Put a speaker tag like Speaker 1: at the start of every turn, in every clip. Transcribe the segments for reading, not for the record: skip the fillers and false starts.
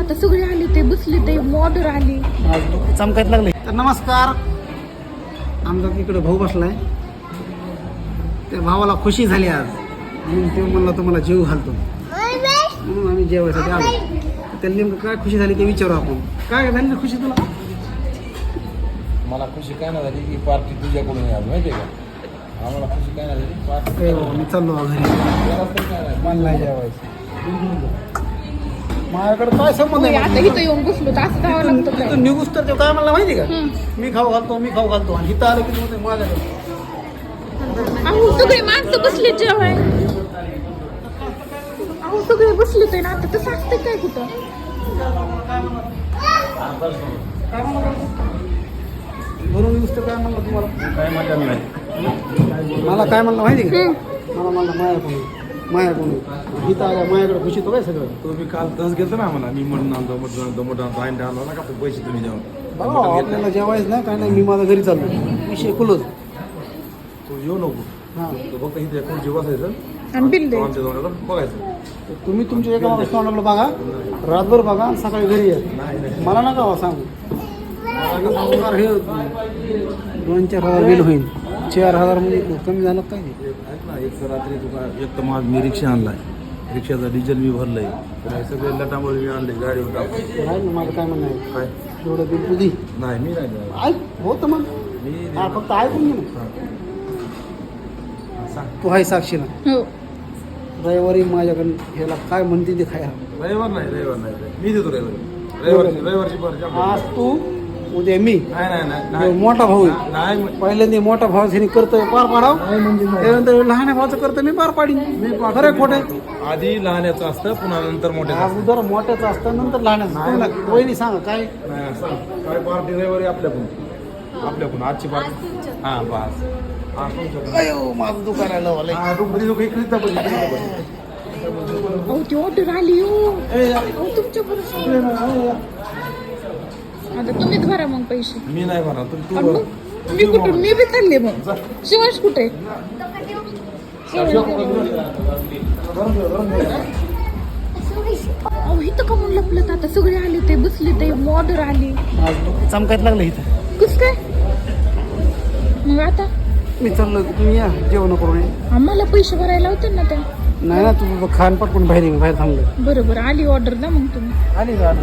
Speaker 1: आता सगळे आले ते बसले ते ऑर्डर आली
Speaker 2: चमकायला लागले. तर नमस्कार. आमचा इकडे भाऊ बसलाय. त्या भावाला खुशी झाली आज म्हणून ते म्हणला तुम्हाला जीव घालतो म्हणून आम्ही जेवायसाठी आलो. त्याला नेमकं काय खुशी झाली ते विचारू आपण. काय झाली रे खुशी तुला?
Speaker 3: मला खुशी काय नाही झाली की पार्टी तुझ्याकडून आहे आज, माहिती आहे का? आम्हाला खुशी काय नाही झाली पार्टी.
Speaker 2: मी चाललो घरी. मन नाही जेवायचं. माझ्याकडे काय संबंध
Speaker 1: होय, आता
Speaker 2: आहे?
Speaker 1: इथं येऊन बसलो तर असं जावं लागतं काय?
Speaker 2: इथून निघूस तर ते काय म्हणला माहिती का? मी खाऊ घालतो आणि इथं आलं की म्हणते माझ्याकडे.
Speaker 1: अहो सगळे माणसं बसले जेवाय. अहो सगळे बसले ते ना आता तसं असतं काय कुठं?
Speaker 2: भरून निघूस तर काय म्हणलं तुम्हाला?
Speaker 3: काय मजा नाही.
Speaker 2: मला काय म्हणलं माहिती का? मला म्हणलं मायाकडून इथं आल्या माझ्याकडे खुशी तो काय सगळं.
Speaker 3: तुम्ही काल तस घेतो ना मला, मी म्हणून आणतो मोठा आईन आणला ना का पैसे तुम्ही जेवण
Speaker 2: बघा आपल्याला जेवायचं ना काय नाही. मी माझ्या घरी चाललो. विषय खुलच.
Speaker 3: तू येऊ नको.
Speaker 2: हां
Speaker 3: तू फक्त इथे कोण जेवायचं
Speaker 1: आणि बिल दे.
Speaker 3: आमच्या जवळ बघायचं.
Speaker 2: तुम्ही तुमच्या एका मागे तोंडाला बघा, रातभर बघा आणि सकाळी घरी या. मला नका हो सांगू. हे 2-4 हजार बिल होईल. 4,000 म्हणजे कमी झालं काय नाही.
Speaker 3: ऐक ना, एक तर रात्री तुका एक तर मी रिक्षा आणलाय, रिक्षाचा डिझेल मी भरलंय, तर हे सगळे लटामुळे मी आणले गाडीवर टाकून.
Speaker 2: नाही ना माझं काय म्हणणं आहे.
Speaker 3: काय
Speaker 2: एवढं बिल तुझी
Speaker 3: नाही, मी नाही देणार.
Speaker 2: ऐक होतं मग.
Speaker 3: मी
Speaker 2: हा फक्त ऐकून घे ना.
Speaker 3: सांग.
Speaker 2: तू आहे साक्षीला
Speaker 1: हो
Speaker 2: रविवारी माझ्याकडे ह्याला काय म्हणते ते खाया.
Speaker 3: रविवार नाही मी देतो रविवारची पार्टी.
Speaker 2: आज तू उद्या मी.
Speaker 3: नाही
Speaker 2: मोठा भाऊ
Speaker 3: नाही
Speaker 2: पहिल्यांदा मोठा भाऊ ह्याने करतोय पार पाडाव. त्यानंतर लहान भावाचं करतोय मी पार पाडीन. खरं खोटे
Speaker 3: आधी लहान्याचं असतं, पुन्हा नंतर मोठ्याचं असतं.
Speaker 2: अगोदर मोठ्याचं असतं नंतर लहान्याचं. वहिनी सांगा काय.
Speaker 3: नाही, सांग. काय पार्टी रविवारी आपल्याकडून आजची पार्टी. हां बस. हां तुमच्याकडून.
Speaker 2: अयो माझं दुकान आलं
Speaker 3: हां तू इकडेच दाबली.
Speaker 1: अहो ती ऑर्डर आली हो. अहो तुमच्या बरोबर आता तुम्हीच भरा मग पैसे.
Speaker 3: मी नाही म्हणा तू
Speaker 1: आणि मग मी कुठून मी बी चालले मग. शिवांश कुठे? अहो इथं का म्हणून लपलं आता सगळे आले ते बसले ते ऑर्डर आली
Speaker 2: चमकायला लागलं इथं.
Speaker 1: कस काय मग आता?
Speaker 2: मी चाललो तुम्ही या जेवण करून ये.
Speaker 1: आम्हाला पैसे भरायला होते ना त्या.
Speaker 2: नाही ना तू खान पटकून बाहेर थांबलं.
Speaker 1: बरोबर आली ऑर्डर ना मग तुम्ही.
Speaker 2: आली का?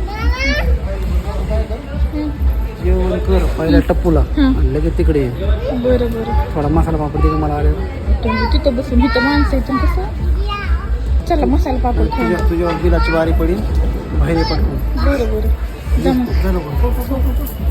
Speaker 2: जेवण कर पहिल्या टप्पूला आणि लगेच तिकडे ये.
Speaker 1: बरं बरं
Speaker 2: थोडा मसाला पापड तिकडे मला आले.
Speaker 1: तुम्ही तिथं बसून इथं माणसं येतं कसं. चला मसाला पापड खाऊ.
Speaker 2: तुझ्यावर बिलाची वारी पडेल बाहेर पटकून.
Speaker 1: बरं बरं जा मग.
Speaker 2: झालं